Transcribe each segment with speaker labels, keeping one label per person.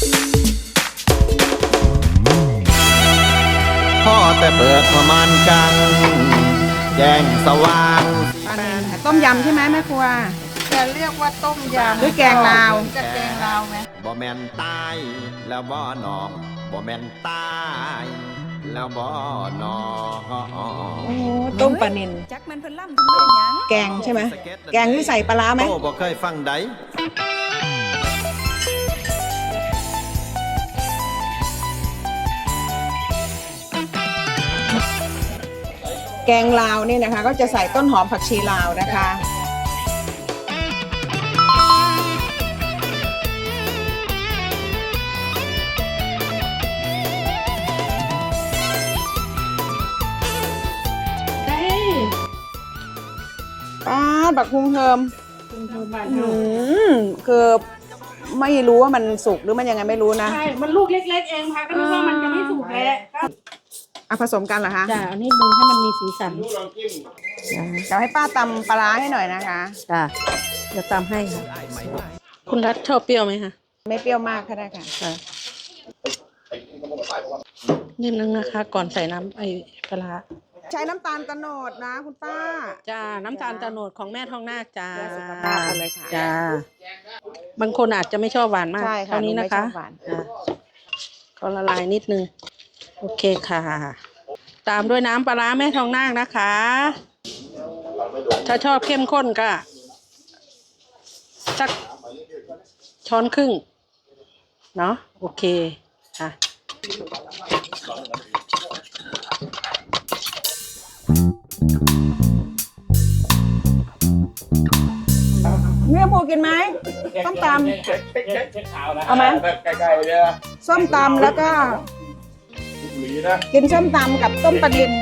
Speaker 1: พ่อแต่เปิดประมาณกังแจ้งสว่าง
Speaker 2: ต้มยำใช่ไหมแม่ครัว
Speaker 3: จะเรียกว่าต้มยำ
Speaker 2: หรือแกงลาว
Speaker 3: จะแกงลาวไหม
Speaker 1: บ่แม่นตายแล้วบ่นองบ่แม่นตายแล้วบ่นอง
Speaker 2: ต้มปลานิล
Speaker 3: จักมันเพิ่นล่ำทำด้วยหยัง
Speaker 2: แกงใช่ไหมแกงที่ใส่ปลาร้าไหม
Speaker 1: โตบ่เคยฟังใด
Speaker 2: แกงลาวนี่นะคะ ก็จะใส่ต้นหอมผักชีลาวนะคะ บักคุงเทิมคือไม่รู้ว่ามันสุกหรือมันยังไงไม่รู้นะ
Speaker 4: ใช่ มันลูกเล็กๆเองค่ะก็นึกว่ามันจะไม่สุกแล้ว
Speaker 2: ผสมกันเหรอคะ
Speaker 4: จ้ะอันนี้ดึงให้มันมีสีสัน
Speaker 2: เดี๋ยวให้ป้าตำปลาร้าให้หน่อยนะคะ
Speaker 4: จ้ะเดี๋ยวตามให้ค่ะ คุณรัฐชอบเปรี้ยวไหมคะ
Speaker 2: ไม่เปรี้ยวมากก็ได้ค่ะ
Speaker 4: ค่ะนิดนึงนะคะ ก่อนใส่น้ำไอ้ปลาร้า
Speaker 2: ใช้น้ำตาลตะโนดนะคุณป้า
Speaker 4: จ้า น้ำตาลตะโนดของแม่ทองนาคจ้า
Speaker 2: เพื่อสุขภาพกันเลยค่ะ
Speaker 4: จ้า บางคนอาจจะไม่ชอบหวานมาก
Speaker 2: ใช่ค่ะ
Speaker 4: เท่านี้นะคะ
Speaker 2: หนูไม่ชอบหวาน
Speaker 4: จ้ะก็ละลายนิดนึง โอเคค่ะ ตามด้วยน้ำปลาร้าแม่ทองนาคนะคะ ถ้าชอบเข้มข้นก็สักช้อนครึ่ง เนาะโอเคค่ะ
Speaker 2: เนื้อหมูกินไหมส้มตำเอาไหม
Speaker 5: ใกล้ๆเนี่ย
Speaker 2: ส้มตำแล้วก็
Speaker 5: หลีนะ
Speaker 2: กินส้มตำกับต้มปลาดิน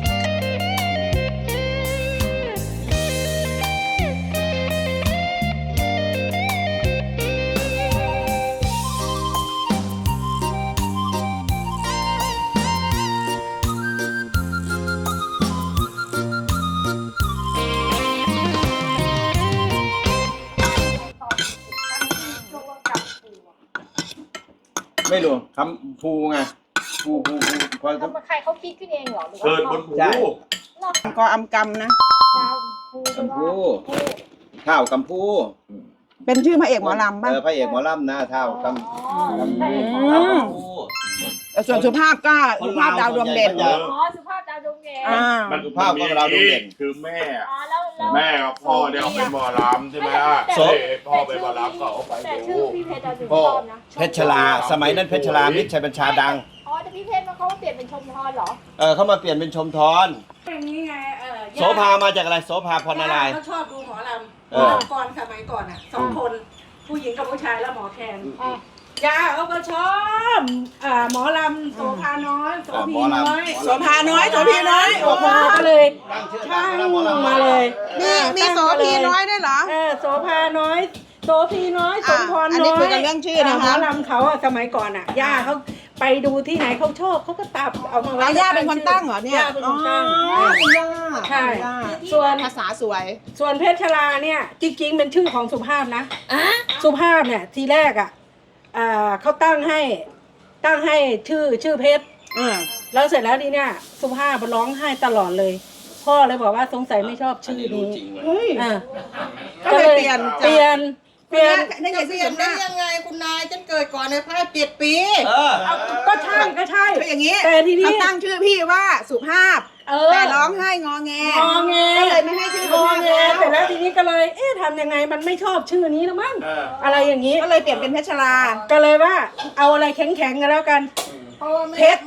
Speaker 5: ไม่รู้คำภูไงภูพอ
Speaker 6: แล้วใครเขาคิดขึ้นเองเหรอหรือว่า
Speaker 5: เกิดบนภู
Speaker 1: ใช่
Speaker 2: ก็อำกำนะ
Speaker 6: ดาวภูหรือ
Speaker 1: กัม
Speaker 6: ว่า
Speaker 1: พูข้าวกัมพู
Speaker 2: เป็นชื่อพระเอกหมอลำป่ะ
Speaker 1: พระเอกหมอลำนะเท่ากัม
Speaker 6: อ๋อ
Speaker 1: กัม
Speaker 6: ใช่
Speaker 1: พู
Speaker 6: อ๋อ
Speaker 1: ข้าวกัมพู
Speaker 2: แต่ส่วนสุภาพก็สุภาพดาวดวงเด่น
Speaker 6: สุภาพดาวดวงเด่น
Speaker 2: อ่า
Speaker 5: มัน
Speaker 1: ภาพของเราดูเด่น
Speaker 5: คือแม่
Speaker 6: อ๋อแล้ว
Speaker 5: แม่กับพ่อเนี่ยเขาเป็นหมอลำใช่ไหมล่ะ
Speaker 1: โส
Speaker 5: พ่อเป็นหมอลำก็เอาไป
Speaker 6: แต่
Speaker 5: ดู
Speaker 6: ชื่อพี่เพชรดาวดวง
Speaker 1: พ่อ
Speaker 6: ชอบนะ
Speaker 1: เพชรลาสมัยนั้นเพชรลามิตรชัยบัญชาดัง
Speaker 6: อ๋อแต่พี่เพชรเขาเปลี่ยนเป็นชมพรเหรอ
Speaker 1: เขามาเปลี่ยนเป็นชมทอน
Speaker 4: อย่างนี้ไง
Speaker 1: โสภามาจากอะไรโสภาพรอะไร
Speaker 4: เขาชอบดูหมอล
Speaker 1: เออ
Speaker 4: ำก่อนสมัยก่อนอ่ะสองคน ผู้หญิงกับผู้ชายแล้วหมอแคน
Speaker 6: อ่ะ
Speaker 4: ยาเขาก็ชอบหมอลำโสภาน้อยโสพีน้อย
Speaker 2: โสภาน้อยโสพีน้อย
Speaker 4: โสภาก็เลยช่างมาเลย
Speaker 2: มีโสพีน้อยด้วยเหรอ
Speaker 4: โสภาน้อยโสพีน้อยสมพร
Speaker 2: อัน
Speaker 4: น้
Speaker 2: นี้
Speaker 4: อย
Speaker 2: คุยกันเรื่องชื่อนะคะ
Speaker 4: หมอลำเขาอะสมัยก่อนอะย่าเขาไปดูที่ไหนเขาชอบเขาก็ตับเอามาไว้
Speaker 2: แล้วย่าเป็นคนตั้งเหรอเนี่ย
Speaker 4: ย่าเป็นคนตั้ง
Speaker 2: คุณย่า
Speaker 4: ใช่
Speaker 2: คุณย่า
Speaker 4: ส่วน
Speaker 2: ภาษาสวย
Speaker 4: ส่วนเพชรชลาเนี่ยจริงๆเป็นชื่อของสุภาพนะสุภาพเนี่ยทีแรกอะเขาตั้งให้ชื่อเพชรแล้วเสร็จแล้วทีเนี่ยสุภาพร้องไห้ตลอดเลย พ่อเลยบอกว่าสงสัยไม่ชอบชื่อนี้ก็เลยเปลี่ยน
Speaker 2: นี่ไงเปลี่ยนได้ยังไงคุณนายฉันเกิดก่อนในพระ7 ปี
Speaker 4: ก็ใช่ก็ใช่
Speaker 2: ก็อย่างนี้
Speaker 4: แต่ทีนี้
Speaker 2: เขาตั้งชื่อพี่ว่าสุภาพ แต่ร้องไห้งอแง
Speaker 4: งอแง
Speaker 2: ก็เลยไม่ให้ชื่อง
Speaker 4: อแง
Speaker 2: สุภาพ
Speaker 4: เสร็จแล้วทีนี้ก็เลยทำยังไงมันไม่ชอบชื่อนี้แล้วมั้งอะไรอย่างนี้
Speaker 2: ก็เลยเปลี่ยนเป็นเพชรลา
Speaker 4: ก็เลยว่าเอาอะไรแข็งๆกันแล้วกัน
Speaker 2: เพชร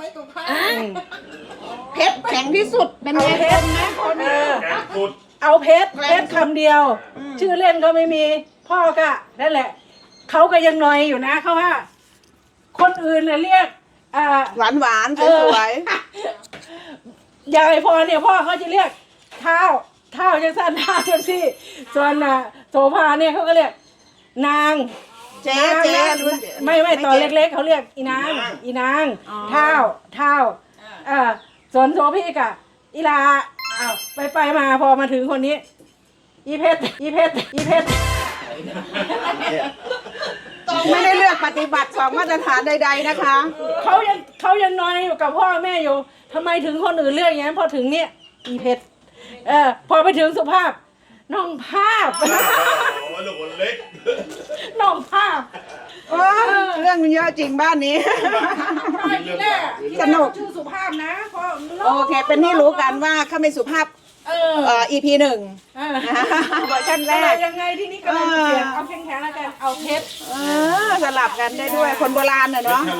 Speaker 2: เพชรแข็งที่สุดเป็น
Speaker 4: เอา
Speaker 2: เพ
Speaker 4: เพ
Speaker 2: ช
Speaker 4: ช
Speaker 2: ร
Speaker 4: ร
Speaker 5: แกงสุด
Speaker 4: เอาเพชรคำเดียว ชื่อเล่นก็ไม่มีพ่อก็นั่นแหละเขาก็ยังนอยอยู่นะเขาว่า คนอื่นเรียก
Speaker 2: หวานหวานสวย
Speaker 4: ยายพรเนี่ยพ่อเขาจะเรียกเท้าจังสั้นเท้าจังซี่ส่วนโสภาเนี่ยเขาก็เรียกนาง
Speaker 2: เจ๊รุ่น
Speaker 4: ไม่ตอนเล็กๆเขาเรียกอีนางเท้าส่วนโสพี่กะอีลาไปมาพอมาถึงคนนี้อีเพชร
Speaker 2: ไม่ได้เลือกปฏิบัติ2 มาตรฐานใด ๆนะคะ
Speaker 4: เขายังน้อยอยู่กับพ่อแม่อยู่ทำไมถึงคนอื่นเลือกอย่างนั้นพอถึงเนี่ยอีเพชรพอไปถึงสุภาพน้องภาพลูกคนเล็กน้องภาพ
Speaker 2: เรื่องมันเยอะจริงบ้านนี้ สนุก
Speaker 4: ชื่อสุภาพนะเพราะ
Speaker 2: โอเค เป็นที่รู้กันว่าข้าไม่สุภาพEP 1 เวอร์ชันแรก
Speaker 4: ยังไงที่นี่ก็เลยเปลี่ยนเอาแข็งๆแล้วกันเอาเพชร
Speaker 2: สลับกันได้ด้วยคนโบราณเนาะ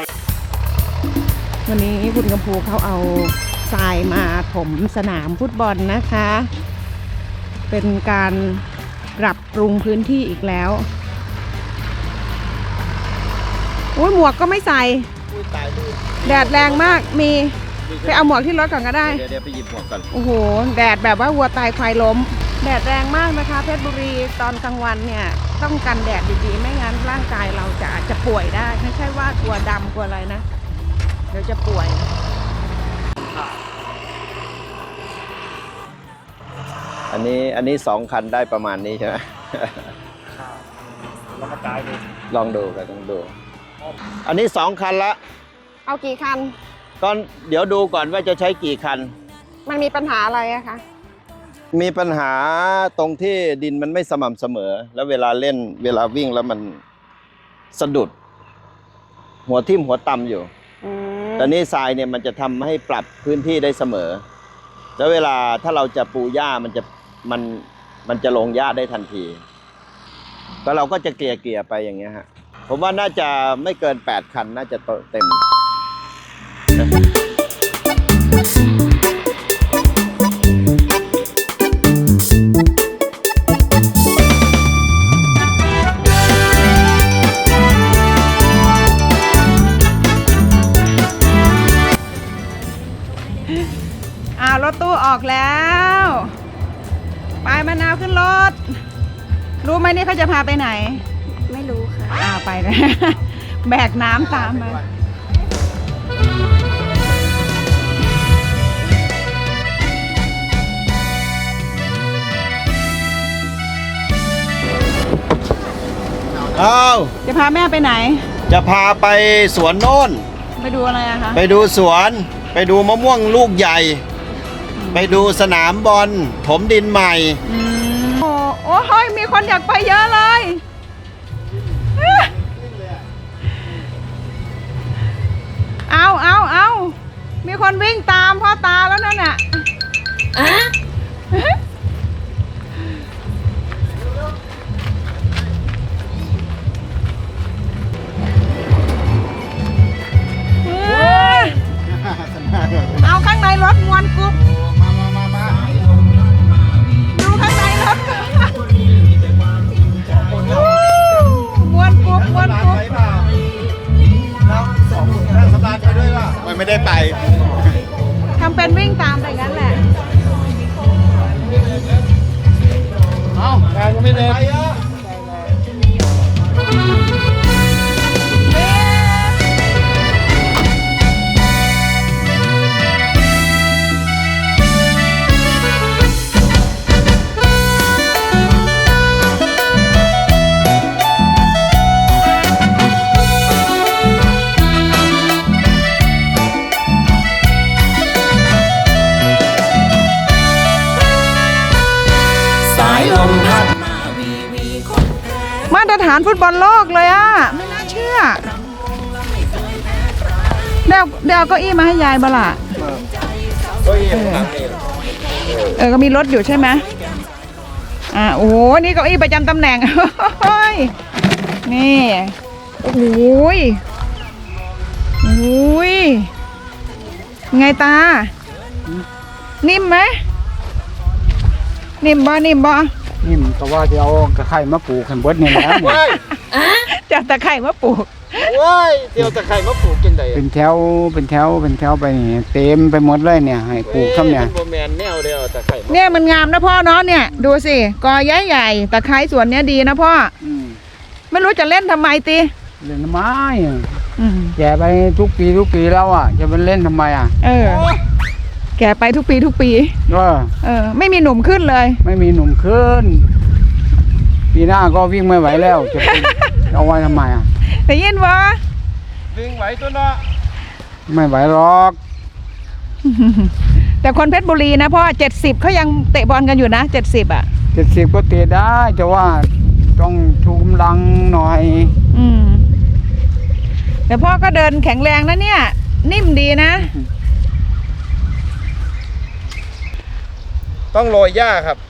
Speaker 2: วันนี้คุณกำพูเขาเอาทรายมาถมสนามฟุตบอลนะคะ เป็นการปรับปรุงพื้นที่อีกแล้วโอ้ยหมวกก็ไม่ใส่แดดแรงมากมีไปเอาหมวกที่รถก่อนก็ได้
Speaker 1: เดี๋ยวไปหยิบหมวกก่อน
Speaker 2: โอ้โหแดดแบบว่าวัวตายควายล้มแดดแรงมากนะคะเพชรบุรีตอนกลางวันเนี่ยต้องกันแดดดีๆไม่งั้นร่างกายเราจะอาจจะป่วยได้ไม่ใช่ว่ากลัวดำกลัวอะไรนะเดี๋ยวจะป่วย
Speaker 1: อันนี้2 คันได้ประมาณนี้ใช่ไหมลองดูกันต้องดูอันนี้2 คันละ
Speaker 2: เอากี่คัน
Speaker 1: ก่อนเดี๋ยวดูก่อนว่าจะใช้กี่คัน
Speaker 2: มันมีปัญหาอะไรอะคะ
Speaker 1: มีปัญหาตรงที่ดินมันไม่สม่ำเสมอแล้วเวลาเล่นเวลาวิ่งแล้วมันสะดุดหัวทิ่มหัวต่ำอยู่แต่นี่ทรายเนี่ยมันจะทำให้ปรับพื้นที่ได้เสมอแล้วเวลาถ้าเราจะปูหญ้ามันจะลงหญ้าได้ทันทีก็เราก็จะเกลี่ยไปอย่างเงี้ยฮะผมว่าน่าจะไม่เกิน8 คันน่าจะเต็ม
Speaker 2: รถตู้ออกแล้วไปมะนาวขึ้นรถรู้ไหมนี่เขาจะพาไปไหน
Speaker 3: ไม่รู้ค่ะ
Speaker 2: ไปเลยแบกน้ำตามมาจะพาแม่ไปไหน
Speaker 1: จะพาไปสวนโน่น
Speaker 2: ไปดูอะไรอะคะ
Speaker 1: ไปดูสวนไปดูมะม่วงลูกใหญ่ไปดูสนามบอลถมดินใหม่
Speaker 2: โอ้ยมีคนอยากไปเยอะเลยเอามีคนวิ่งตามพ่อตาแล้วนั่นน่ะเอาข้างในรถมวนกุ๊บดูข้างในรถมวนกุ๊บ
Speaker 5: นั่งสบายไปด้วยป่ะไม่ได้ไป
Speaker 2: ทำเป็นวิ่งตามไปงั้นแหละ
Speaker 5: แรงก็ไม่เน็ต
Speaker 2: มาตรฐานฟุตบอลโลกเลยอ่ะไม่น่าเชื่อเดี๋ยวเก้าอี้มาให้ยายบ้าล่ะก็มีรถอยู่ใช่ไหมโอ้โหนี่เก้าอี้ประจำตำแหน่งนี่โอ้โหไงตานิ่มไหมนิ่มบ่นิ่
Speaker 7: มก็ว่าจะเอาตะไคร้มาปลูกให้เบิดนี่แหละ
Speaker 2: จะตะไคร้มาปลูก
Speaker 1: เดี๋ยวตะไคร้มาปลูกจังได๋
Speaker 7: เป็นแถวไปนี่เต็มไปหมดเลยเนี่ยให้ปลูกซ้ำเนี่ย
Speaker 1: บ่แม่นแนวเดียวตะไคร้
Speaker 2: เนี่ยมันงามนะพ่อเนาะเนี่ยดูสิกอใหญ่ๆตะไคร้สวนเนี้ยดีนะพ่อไม่รู้จะเล่นทำไมติ
Speaker 7: เล่นทำไมแก่ไปทุกปีแล้วอ่ะจะไปเล่นทำไมอ่ะ
Speaker 2: แก่ไปทุกปีไม่มีหนุ่มขึ้นเลย
Speaker 7: ไม่มีหนุ่มขึ้นปีหน้าก็วิ่งไม่ไหวแล้วจะเอาไว้ทำไมอ่ะ
Speaker 2: ได้ยินบ่
Speaker 1: วิ่งไหวตัวเนาะ
Speaker 7: ไม่ไหวหรอก
Speaker 2: แต่คนเพชรบุรีนะพ่อ70เขายังเตะบอลกันอยู่นะ70อ่ะ
Speaker 7: 70ก็เตะได้แต่ว่าต้องชูกำลังหน่อย
Speaker 2: แต่พ่อก็เดินแข็งแรงนะเนี่ย นิ่มดีนะ
Speaker 1: ต้องโรยหญ้าครับ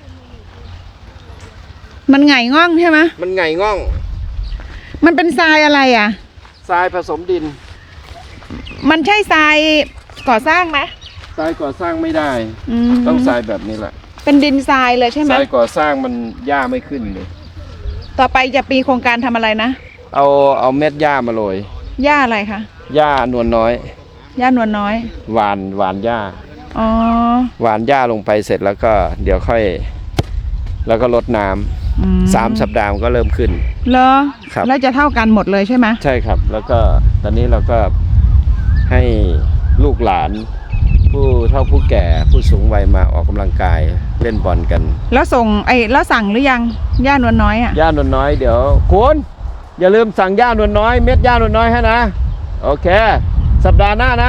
Speaker 2: มันไงง่องใช่ไหม
Speaker 1: มันไงง่อง
Speaker 2: มันเป็นทรายอะไรอ่ะ
Speaker 1: ทรายผสมดิน
Speaker 2: มันใช่ทรายก่อสร้างไหม
Speaker 1: ทรายก่อสร้างไม่ได้
Speaker 2: ม
Speaker 1: ต้องทรายแบบนี้แหละ
Speaker 2: เป็นดินทรายเลยใช่ไห
Speaker 1: ท
Speaker 2: ม
Speaker 1: รายก่อสร้างมันหญ้าไม่ขึ้นเลย
Speaker 2: ต่อไปจะปีโครงการทำอะไรนะ
Speaker 1: เอาเม็ดหญ้ามาโรย
Speaker 2: หญ้าอะไรคะ
Speaker 1: หญ้านวลน้อย
Speaker 2: หญ้านวลน้อย
Speaker 1: หวานหญ้า
Speaker 2: อ๋อ
Speaker 1: หวานหญ้าลงไปเสร็จแล้วก็เดี๋ยวค่อย แล้วก็รดน้ำ
Speaker 2: อื
Speaker 1: 3 สัปดาห์มันก็เริ่มขึ้น
Speaker 2: เหรอ
Speaker 1: ครับ
Speaker 2: แล้วจะเท่ากันหมดเลยใช่ไหม
Speaker 1: ใช่ครับ แล้วก็ตอนนี้เราก็ให้ลูกหลาน ผู้เฒ่าผู้แก่ผู้สูงวัยมาออกกำลังกายเล่นบอลกัน
Speaker 2: แล้วส่งแล้วสั่งหรือยังหญ้านวลน้อยอ่ะ
Speaker 1: หญ้านวลน้อยเดี๋ยวคุณอย่าลืมสั่งหญ้านวลน้อยเม็ดหญ้านวลน้อยให้นะโอเค สัปดาห์หน้านะ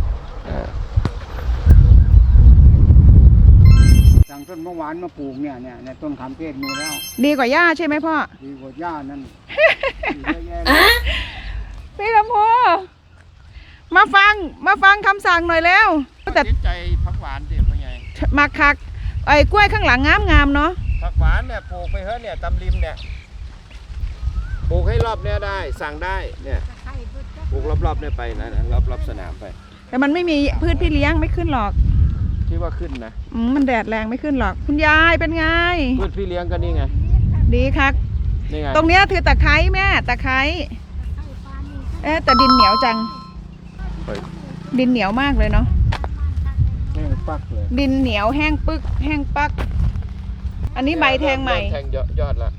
Speaker 7: สั่งต้นมะหวานมาปลูกเนี่ยในต้นขามเทศมีแล้ว
Speaker 2: ดีกว่าหญ้าใช่ไหมพ่อ
Speaker 7: ดีกว่าหญ้านั่นเยอะแยะ
Speaker 2: พี่ลำพูมาฟังคำสั่งหน่อยแล้วแต่
Speaker 1: ติดใจผักหวานดิพ่อใหญ่
Speaker 2: มาคักกล้วยข้างหลังงามเนาะ
Speaker 1: ผักหวานเนี่ยปลูกไปเฮ้ยเนี่ยตำริมเนี่ยปลูกให้รอบเนี่ยได้สั่งได้เนี่ยปลูกรอบๆเนี่ยไปนะรอบสนามไป
Speaker 2: แต่มันไม่มีพืชพี่เลี้ยงไม่ขึ้นหรอก
Speaker 1: ที่ว่าขึ้นนะ
Speaker 2: มันแดดแรงไม่ขึ้นหรอก คุณยายเป็นไง
Speaker 1: พืชพี่เลี้ยงก็นี่ไง
Speaker 2: ดีคัก
Speaker 1: นี่ไง
Speaker 2: ตรงเนี้ยคือตะไคร้แม่ตะไคร้แต่ดินเหนียวจัง
Speaker 1: ไป
Speaker 2: ดินเหนียวมากเลยเนาะ
Speaker 7: แห้งปักเลย
Speaker 2: ดินเหนียวแห้งปึกแห้งปัก อันนี้ใบแทงใหม่
Speaker 1: เริ่แทงยอดละ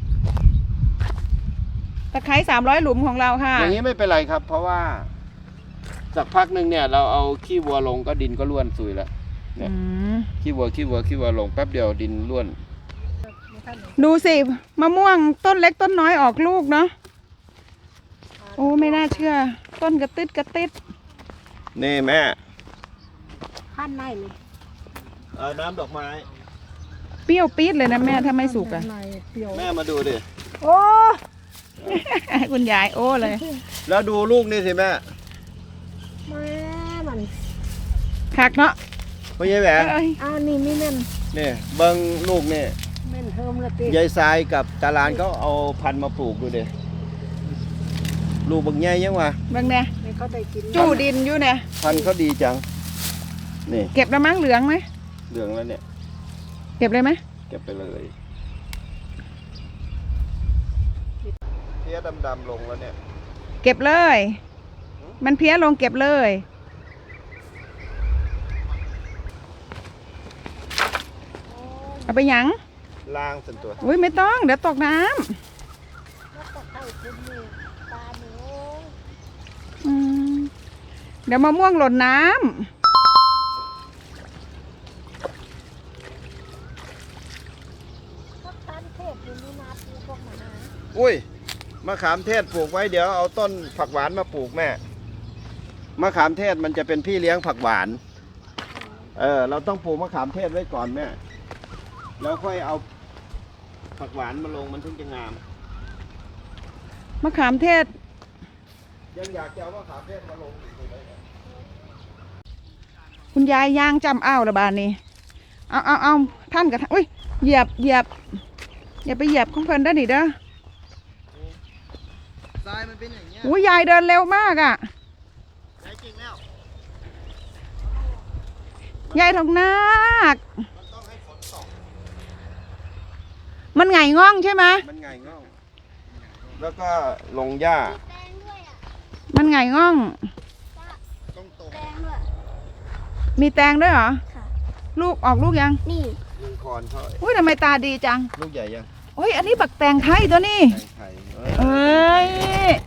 Speaker 2: ตะไคร้300 หลุมของเราค่ะ
Speaker 1: อย่างนี้ไม่เป็นไรครับ เพราะว่าสักพักหนึ่งเนี่ยเราเอาขี้วัวลงก็ดินก็ร่วนซุยแล้วเนี่ย
Speaker 2: อืม
Speaker 1: ขี้วัวลงแป๊บเดียวดินร่วน
Speaker 2: ดูสิมะม่วงต้นเล็กต้นน้อยออกลูกเนาะโอ้ไม่น่าเชื่อ ต้นกระติด
Speaker 1: นี่แม่
Speaker 6: ขั้นในเลย
Speaker 1: น้ำดอกไม้
Speaker 2: เปรี้ยวปี๊ดเลยนะแม่ถ้าไม่สุกอะ
Speaker 1: แม่มาดูดิ
Speaker 6: โอ้
Speaker 2: คุณยายโอ้เลย
Speaker 1: แล้วดูลูกนี่สิแม่
Speaker 6: แม่มัน
Speaker 2: คักเนาะ
Speaker 1: พ่อใหญ่แหวน
Speaker 2: เอ้ย
Speaker 6: นี่ไม่แม่น
Speaker 1: นี่เบิ้งลูกนี่
Speaker 6: แม่นเทิมละติ
Speaker 1: ยายทรายกับตาลานเขาเอาพันธุ์มาปลูกดูดิลูกบางใหญ่ยังวะ
Speaker 2: เบางเนี่ย
Speaker 6: ไม่เขาได้กิน
Speaker 2: จู้ดินอยู่เนี่ย
Speaker 1: พันธุ์เขาดีจังนี่
Speaker 2: เก็บแล้วมั้งเหลืองไหม
Speaker 1: เหลืองแล้วเนี่ย
Speaker 2: เก็บเลยไหม
Speaker 1: เก็บไปเลยเพี้ยดำๆลงแล้วเนี่ย
Speaker 2: เก็บเลย มันเพี้ยลงเก็บเลยเอาไปหยัง
Speaker 1: ล้างส่วนตัว
Speaker 2: อุ้ยไม่ต้องเดี๋ยวตกน้
Speaker 6: แล้วก็เข้าคุณนี่ปลาหนู
Speaker 2: ำเดี๋ยวมะม่วงหล่นน้
Speaker 6: พักทันเทพอยู่นี่นาปีพวกหมา
Speaker 1: อุ้ยมะขามเทศปลูกไว้เดี๋ยวเอาต้นผักหวานมาปลูกแม่มะขามเทศมันจะเป็นพี่เลี้ยงผักหวานเราต้องปลูกมะขามเทศไว้ก่อนแม่แล้วค่อยเอาผักหวานมาลงมันถึงจะงาม
Speaker 2: ำมะขามเทศ
Speaker 1: ยังอยากจะเอามะขามเทศมาลงอีกเลย
Speaker 2: คุณยายย่างจำอ้าวระบาดนี้เอาท่านกับท่านอุ้ยเหยียบอย่าไปเหยียบของเพิ่นได้อนี่เด้อ
Speaker 1: ทรายมันเป็นอย่างเงี้ย
Speaker 2: อุ้ยยายเดินเร็วมากอ่ะ
Speaker 1: ใช่จริงแล้ว
Speaker 2: ยายทองนาค
Speaker 1: มันต้องให้ฝนตก
Speaker 2: มันไงง่องใช่ไหม
Speaker 1: มันไงง่องแล้วก็ลงหญ้า
Speaker 2: มันไงง่อง
Speaker 1: ต้องตก
Speaker 6: แดงด้วย
Speaker 2: มีแตงด้วยเหรอ
Speaker 6: ค่ะ
Speaker 2: ลูกออกลูกยัง
Speaker 6: นี่
Speaker 1: ยิงคอนเขา
Speaker 2: อุ้ยทำไมตาดีจัง
Speaker 1: ลูกใหญ่ยัง
Speaker 2: โอ้ยอันนี้บักแตงไทยตัวนี้
Speaker 1: แตงไทย
Speaker 2: เอ้ย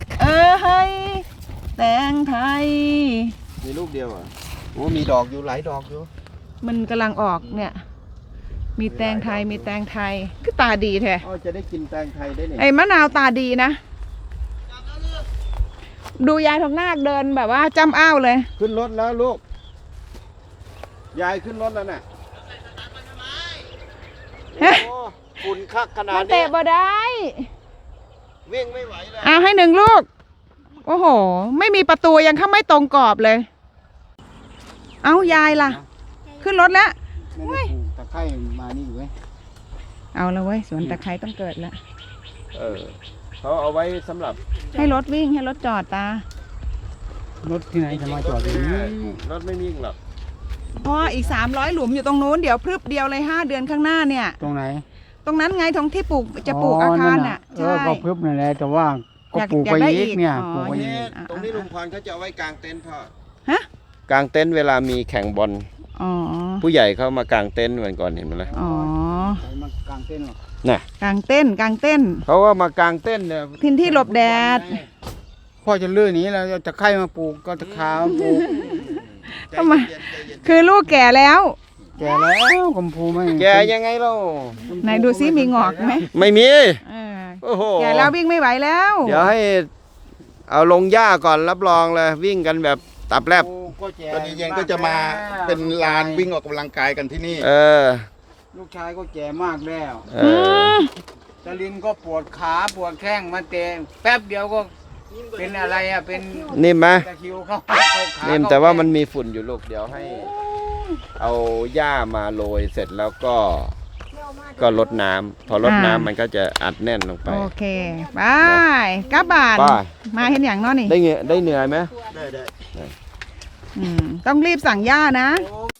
Speaker 2: แตงไทย
Speaker 1: มีลูกเดียวอ่ะโอ้มีดอกอยู่หลายดอกอยู่
Speaker 2: มันกำลังออกเนี่ย มีแตงไทยมีแตงไทยคือตาดีแท้
Speaker 1: อ๋อจะได้กินแตงไทยได้เนี่ย
Speaker 2: ไอ้มะนาวตาดีนะดูยายทองนาคเดินแบบว่าจ้ำอ้าวเลย
Speaker 1: ขึ้นรถแล้วลูก ยายขึ้นรถแล้วน่ะ
Speaker 2: ฮะ
Speaker 1: โอ้ฝุ่นคักขนา
Speaker 2: มั
Speaker 1: ด
Speaker 2: น
Speaker 1: นี้
Speaker 2: เตะบ่ได้
Speaker 1: วิ่งไม่ไหวเลย
Speaker 2: เอาให้1 ลูก โอ้โห ไม่มีประตูยังเข้าไม่ตรงกรอบเลย เอายายล่ะ ขึ้นรถแล้ว
Speaker 7: ไม่ได้ปลูกตะไคร้มานี่เว้ย
Speaker 2: เอาละเว้ยสวนตะไคร้ต้องเกิดแล้ว
Speaker 1: เขาเอาไว้สำหรับ
Speaker 2: ให้รถวิ่งให้รถจอดตา
Speaker 7: รถที่ไหนจะมาจอดอย่างนี้
Speaker 1: รถไม่วิ่งหรอก
Speaker 2: เพราะอีก300 หลุมอยู่ตรงนู้นเดี๋ยวพรึบเดียวเลย5 เดือนข้างหน้าเนี่ย
Speaker 7: ตรงไหน
Speaker 2: ตรงนั้นไงตรงที่ปลูกจะปลูกอาคารน่ะ
Speaker 7: เออ
Speaker 2: ใช่
Speaker 7: ก็พึบนั่นแหละแต่ว่าก็ปลูกไป
Speaker 2: อยากได้
Speaker 7: อีกเนี่ย
Speaker 2: อีก
Speaker 7: ปลูกไป
Speaker 2: อ๋อ
Speaker 7: อีก
Speaker 1: ตรงนี้ลุงพรเขาจะเอาไว้กางเต็นท์พ่อ
Speaker 2: ฮะ
Speaker 1: กางเต็นท์เวลามีแข่งบอล
Speaker 2: อ๋อ
Speaker 1: ผู้ใหญ่เขามากางเต็นท์เหมือนก่อนเห็นไหมล่ะ
Speaker 2: อ๋อ
Speaker 7: ใครมากางเต้นท์หรอก
Speaker 1: น่ะ
Speaker 2: กางเต้นกางเต้น
Speaker 1: เขาว่ามากางเต็นท์เนี่ย
Speaker 2: ทินที่หลบแดด
Speaker 7: พ่อจะลื้อหนี้แล้วจะไคร้มาปลูกก็ตะขาวปลูก
Speaker 2: ทำไม คือลูกแก่แล้ว
Speaker 7: แก่แล้วกมพูไม่
Speaker 1: แกยังไงเล่า
Speaker 2: ไหนดูซิมีงอกไหม
Speaker 1: ไม่มี
Speaker 2: เออ
Speaker 1: โอ้โห
Speaker 2: แก่แล้ววิ่งไม่ไหวแล้ว
Speaker 1: เดี๋ยวให้เอาลงหญ้าก่อนรับรองเลยวิ่งกันแบบตับแลบ
Speaker 7: ก็แก่
Speaker 5: ตอนนี้เย็นก็จะมาเป็นลานวิ่งออกกำลังกายกันที่นี่
Speaker 1: เออ
Speaker 7: ลูกชายก็แก่มากแล้ว
Speaker 1: เออ
Speaker 7: ตะลินก็ปวดขาปวดแข้งมาเตะแป๊บเดียวก็เป็นอะไรอ่ะเป็น
Speaker 1: นิ่มไหม
Speaker 7: ตะคริวเข้าขา
Speaker 1: นิ่มแต่ว่ามันมีฝุ่นอยู่ลูกเดี๋ยวให้ เอาหญ้ามาโรยเสร็จแล้วก็ลดน้ำพอลดน้ำมันก็จะอัดแน่นลงไป
Speaker 2: โอเคบายกลับบ้าน
Speaker 1: ไป
Speaker 2: มาเห็นอย่างเน้อนี่
Speaker 1: ได้เหนื่อยไหม
Speaker 2: ต้องรีบสั่งย่านะ
Speaker 7: โอ้